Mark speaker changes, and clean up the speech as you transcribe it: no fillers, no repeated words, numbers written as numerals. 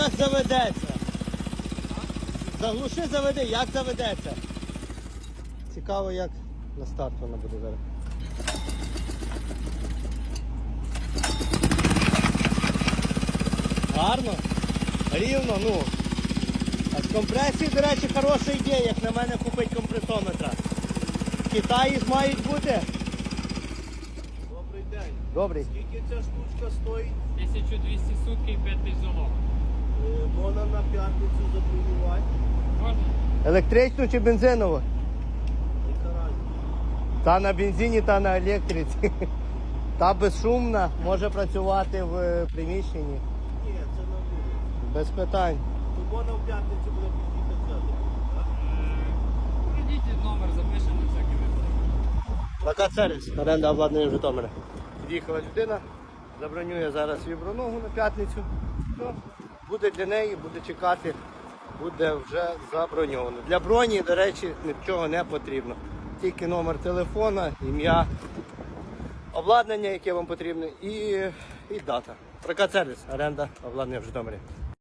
Speaker 1: як заведеться. Заглуши, заведи, як заведеться. Цікаво, як на старт вона буде зараз. Гарно, рівно, ну. А з компресії, до речі, хороша ідея, як на мене купить компресометра. В Китаї мають бути.
Speaker 2: Добрий день.
Speaker 1: Добрий.
Speaker 2: Скільки ця штучка стоїть?
Speaker 3: 1200 сутки і 5 залог.
Speaker 2: Можна на п'ятницю забронювати.
Speaker 3: Можна?
Speaker 1: Електричну чи бензинову?
Speaker 2: Яка разниця?
Speaker 1: Та на бензині, та на електриці. Та безшумна, може працювати в приміщенні.
Speaker 2: Ні, це на вулиці.
Speaker 1: Без питань.
Speaker 2: То можна в п'ятницю буде підійти взяти.
Speaker 3: Прийдіть номер, запишемо на всякий випадок.
Speaker 1: Плакат сервіс, оренда обладнання в Житомирі. Під'їхала людина, забронює зараз свою броногу на п'ятницю. Ну, буде для неї, буде чекати, буде вже заброньовано. Для броні, до речі, нічого не потрібно. Тільки номер телефона, ім'я, обладнання, яке вам потрібне, і дата. Прокат сервіс, оренда обладнання в Житомирі.